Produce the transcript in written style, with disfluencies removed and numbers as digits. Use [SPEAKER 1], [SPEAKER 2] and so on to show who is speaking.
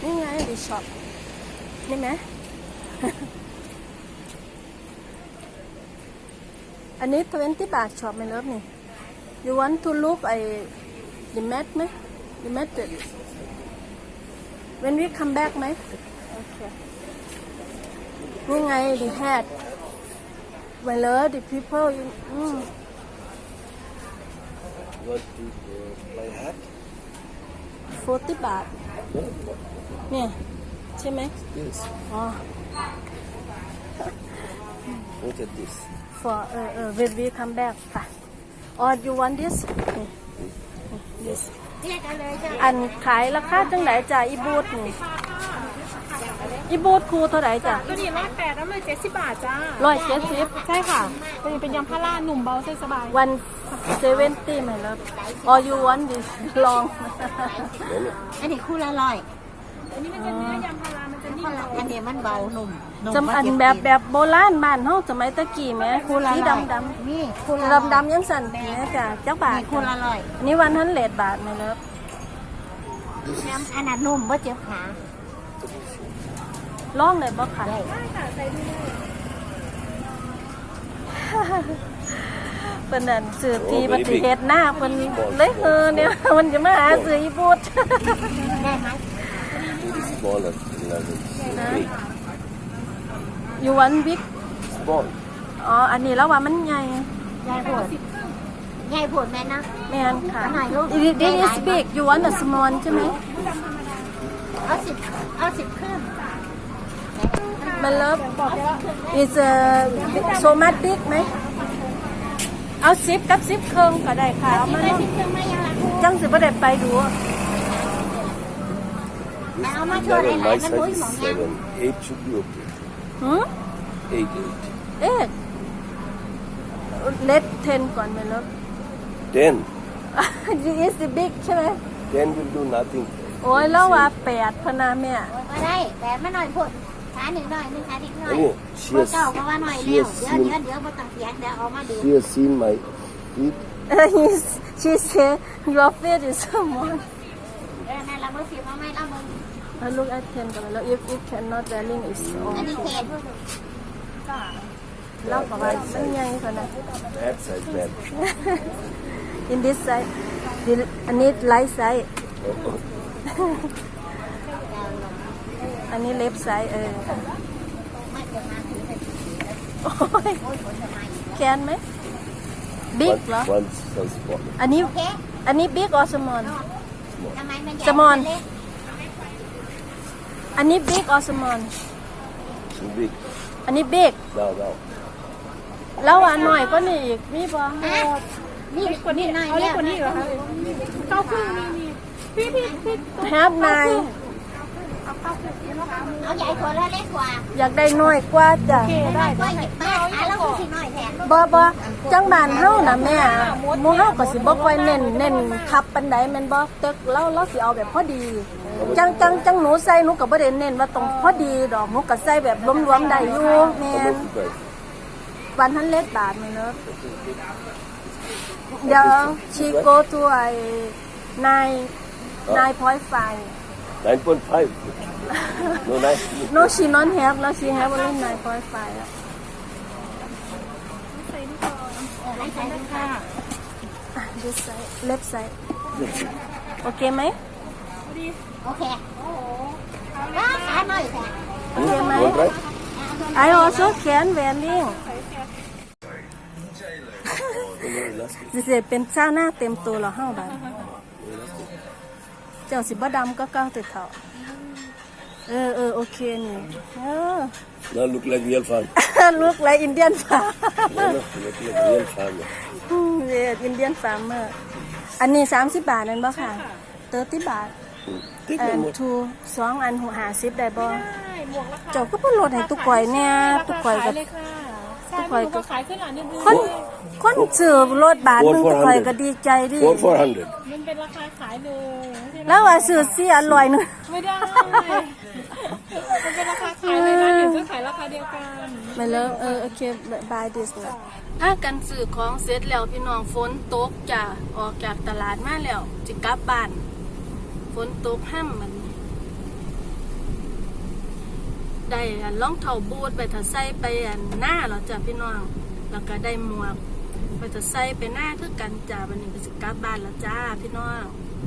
[SPEAKER 1] นี่ไงดีช็อปนี่ไหม อันนี้20 บาทช็อปไม่เลิฟนี่ you want to look the mat ไหม the mat when we come back ไหมโอเคนี่ไง the hat ไม่เลิฟ the people
[SPEAKER 2] Want to buy hat?
[SPEAKER 1] 40 บาทเนี่ยใช่ไหม
[SPEAKER 2] Yes.
[SPEAKER 1] อ๋อ
[SPEAKER 2] Look at this.
[SPEAKER 1] for when we come back ค่ะ or you want this this อันขายราคาจังไหนจ้ะอีบูทนี่อีบูทครูเท่าไหร่จ้ะ
[SPEAKER 3] ตัวนี้108แล้วเลย70 บาทจ้า
[SPEAKER 1] 170
[SPEAKER 3] ใช่ค่ะตัวนี้เป็นยำพาราหนุ่มเบาเส้นสบาย
[SPEAKER 1] 170ไหมครับ or you want this long
[SPEAKER 4] อันนี้คู่ละร้อย
[SPEAKER 3] อันนี้มันจะเนื้อยำพารามันจะนิ่ม
[SPEAKER 4] อันนี้มันเบาหนุ่ม
[SPEAKER 1] จำอันแบบโบราณบ้านเฮาสมัยตะกี้แหม
[SPEAKER 4] คู่ละ
[SPEAKER 1] สี
[SPEAKER 4] ร้อย
[SPEAKER 1] ดำ
[SPEAKER 4] นี่คู่ละ
[SPEAKER 1] ดำยังสั่นแหมจ้ะจักบาท
[SPEAKER 4] นี่คู่ละร้อย
[SPEAKER 1] อันนี้100 บาทไหมครับ
[SPEAKER 4] อันนั้นนุ่มว่าเจ็บขา
[SPEAKER 1] ลองได้บ่ค่ะ
[SPEAKER 4] ได้
[SPEAKER 1] เพิ่นนั่นซื้อที่บัดสิเฮ็ดหน้าเพิ่นเลยเนี่ยมันจะมาหาซื้ออีบูท
[SPEAKER 4] ได้ไหม
[SPEAKER 2] Smaller. Big.
[SPEAKER 1] you want big
[SPEAKER 2] Small.
[SPEAKER 1] อ๋ออันนี้แล้วว่ามันใหญ่
[SPEAKER 4] ยายปวดยายปวดแม่นะ
[SPEAKER 1] แม่นค่ะ
[SPEAKER 4] อันไหนลูก
[SPEAKER 1] this is big you want a small ใช่ไหม
[SPEAKER 4] เอา10ขึ้น
[SPEAKER 1] มันเลิฟ is so much big ไหมเอา10กับ10เครื่องก็ได้ค่ะเอามาเนาะ
[SPEAKER 4] เครื่องไม่ยังละคู่
[SPEAKER 1] จังสิบ่ได้ไปดู
[SPEAKER 4] แต่เอามาช่วย
[SPEAKER 2] Eleven,
[SPEAKER 4] หลาย
[SPEAKER 2] my
[SPEAKER 4] ๆมัน
[SPEAKER 2] size
[SPEAKER 4] มุ้ย
[SPEAKER 2] is
[SPEAKER 4] หมองยัง
[SPEAKER 2] 7. 8 should be okay.
[SPEAKER 1] หือ
[SPEAKER 2] 8.
[SPEAKER 1] เอ๊ะเลท10ก่อนไหมเลิฟ
[SPEAKER 2] 10.
[SPEAKER 1] this is the big ใช่ไหม
[SPEAKER 2] 10 will do nothing.
[SPEAKER 1] โอ้ยแล้วว่า8พะนาแม่
[SPEAKER 4] มาได้แต่ไม่หน่อยพูดขาหนึ่งหน่อยนึงขาอีกหน่อย
[SPEAKER 2] Anyway, she
[SPEAKER 4] เมื่อ
[SPEAKER 2] has,
[SPEAKER 4] เก่าก็ว่าหน่อย
[SPEAKER 2] she
[SPEAKER 4] แล้ว
[SPEAKER 2] has
[SPEAKER 4] เดี๋ยว
[SPEAKER 2] seen,
[SPEAKER 4] เดี๋ยวบ่ต้องเสียงเดี๋ยวเอามาดู
[SPEAKER 2] she has seen my feet.
[SPEAKER 1] she say your feet is small
[SPEAKER 4] นั่นเราเมื่อสิมาไม่เรามึง
[SPEAKER 1] look at 10ก่อนแล้ว if cannot wearing is
[SPEAKER 4] อันนี้
[SPEAKER 1] okay
[SPEAKER 4] เขต
[SPEAKER 1] แล้วก็ว่ามันใหญ่กว่านะ
[SPEAKER 2] That size bad.
[SPEAKER 1] in this side อันนี้ light side อันนี้ left side
[SPEAKER 4] ไม่จะมาถึงเป็น
[SPEAKER 1] โอ้ยแคนไหม big เหรอ
[SPEAKER 2] One size small.
[SPEAKER 1] อันนี้
[SPEAKER 4] โอเค
[SPEAKER 1] อันนี้ big or small
[SPEAKER 4] ทำไมมันใหญ่
[SPEAKER 1] Small
[SPEAKER 4] เล็ก
[SPEAKER 1] อันนี้ big or small
[SPEAKER 2] Too big.
[SPEAKER 1] อันนี้ big
[SPEAKER 2] Now, now.
[SPEAKER 1] แล้วอันหน่อยก็นี่อีกมีบ่
[SPEAKER 4] นี่กว่านี้หน่อย
[SPEAKER 3] เอาเล็กกว่านี้เหรอคะ9 ครึ่งนี่พี่
[SPEAKER 1] have 9
[SPEAKER 4] เอาใหญ่กว่าแล้วเล็กกว่า
[SPEAKER 1] อยากได้น้อยกว่าจ้ะ
[SPEAKER 4] ได้ก็หยิบมาขาแล้วก็สิหน่อยแทน
[SPEAKER 1] บ่จังบ้านเฮาน่ะแม่หมู่เฮาก็สิบ่ค่อยเน้นคับปานใดแม่นบ่ตึกเราสิเอาแบบพอดีจังหนูใส่หนูก็บ่ได้เน้นว่าต้องพอดีดอกหนูก็ใส่แบบรวมๆได้อยู่แม่
[SPEAKER 2] How
[SPEAKER 1] น
[SPEAKER 2] much you guys?
[SPEAKER 1] วันทันเล็กบาทแม่เนาะเดี๋ยว she go to 9.5
[SPEAKER 2] 9.5. No, 9.
[SPEAKER 1] no she not have แล้ว she have only 9.5 แล้ว
[SPEAKER 4] ให้ใส่ดูค่ะ
[SPEAKER 1] this side left side โอเคไหม
[SPEAKER 4] โอเคขาหน่อยแทน
[SPEAKER 1] Okay,
[SPEAKER 2] You want right?
[SPEAKER 1] I also can wearing สิเป็นเจ้าหน้าเต็มตัวแล้วเฮาบัดเจ้าสิบ่ดำก็เก้าติดเถาโอเคนี่
[SPEAKER 2] Now look like real farm.
[SPEAKER 1] look like Indian farm
[SPEAKER 2] No, look like real farm.
[SPEAKER 1] yeah Indian farmer อันนี้30 บาทนั่นบ่ค่ะ30 บาท
[SPEAKER 2] Take one more.
[SPEAKER 1] two 2 อัน50ได้บ่
[SPEAKER 3] ได้หมวกราคา
[SPEAKER 1] เจ้าก็บ่ลดให้ตุกข่อยเนี่ยตุกข่อยก็
[SPEAKER 3] เลยค่ะใช่พี่หนูก็ขายขึ้นหลังนิดนึง
[SPEAKER 1] คนซื้อรถบาทนึงตุกข่อยก็ดีใจดิ
[SPEAKER 2] 400.
[SPEAKER 3] มันเป็นราคาขายเลยไม่ใช่
[SPEAKER 1] แล้วว่าซื้อเสียอร่อยนึง
[SPEAKER 3] ไม่ได้ มันเป็นราคาขายเลยนะอยู่ก็ขายราคาเดียวกัน
[SPEAKER 1] ไม่เลิกโอเค buy this นะถ้ากันซื้อของเสร็จแล้วพี่น้องฝนตกจ้ะออกจากตลาดมาแล้วจะกลับบ้านฝนตกห้ำมันได้รองเท้าบูทไปถ้าใส่ไปหน้าแล้วจ้ะพี่น้องแล้วก็ได้หมวกไปถ้าใส่ไปหน้าคือกันจ้าวันนี้ก็สิกลับบ้านแล้วจ้าพี่น้อง